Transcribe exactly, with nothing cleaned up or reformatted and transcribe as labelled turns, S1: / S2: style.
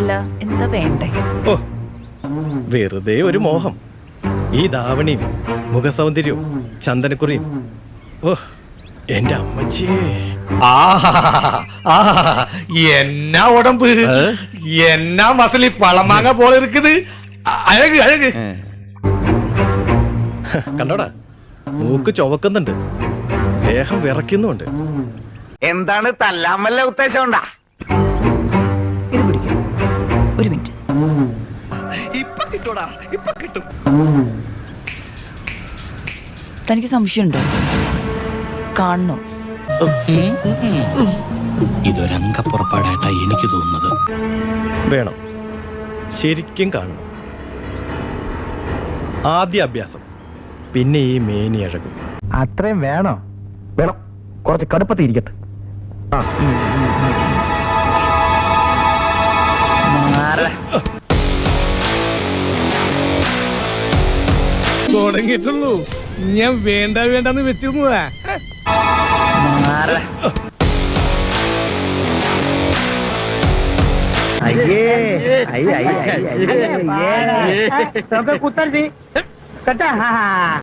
S1: അല്ല എന്താ വേണ്ടേ?
S2: ഓ വെറുതെ ഒരു മോഹം. ഈ ധാവണിയും മുഖസൗന്ദര്യവും ചന്ദനക്കുറിയും. ഓ എന്റെ അമ്മച്ചിയേ.
S3: എന്നാ ഉടമ്പ്, എന്നാ മസിലി പളമാങ്ങ പോലെ ഇരിക്കുത്. അഴക് അഴക്
S2: കണ്ടോടാ, മൂക്ക് ചുവക്കുന്നുണ്ട്, ദേഹം വിറയ്ക്കുന്നുണ്ട്.
S4: എന്താണ് തല്ലാൻ വല്ല ഉദ്ദേശം ഉണ്ടാ?
S1: ഇത് പിടിക്കും. ഒരു മിനിറ്റ്.
S4: ഇപ്പൊ കിട്ടൂടാ, ഇപ്പൊ കിട്ടും.
S1: തനിക്ക് സംശയമുണ്ടോ? കാണണോ?
S5: ഇതൊരംഗപ്പുറപ്പാടായിട്ടാ എനിക്ക് തോന്നുന്നത്.
S2: വേണം, ശരിക്കും കാണണം. ആദ്യ അഭ്യാസം, പിന്നെ ഈ മേനി അഴകും.
S3: അത്രയും വേണോ? വേണം, കുറച്ച് കടുപ്പത്തി ഇരിക്കട്ടെ. തുടങ്ങിയിട്ടുള്ളൂ. ഞാൻ വേണ്ട വേണ്ടെന്ന് വെച്ചിരുന്നതാ.
S4: അയ്യേ അയ്യ അയ്യ കുത്തർച്ചി കേട്ടാ.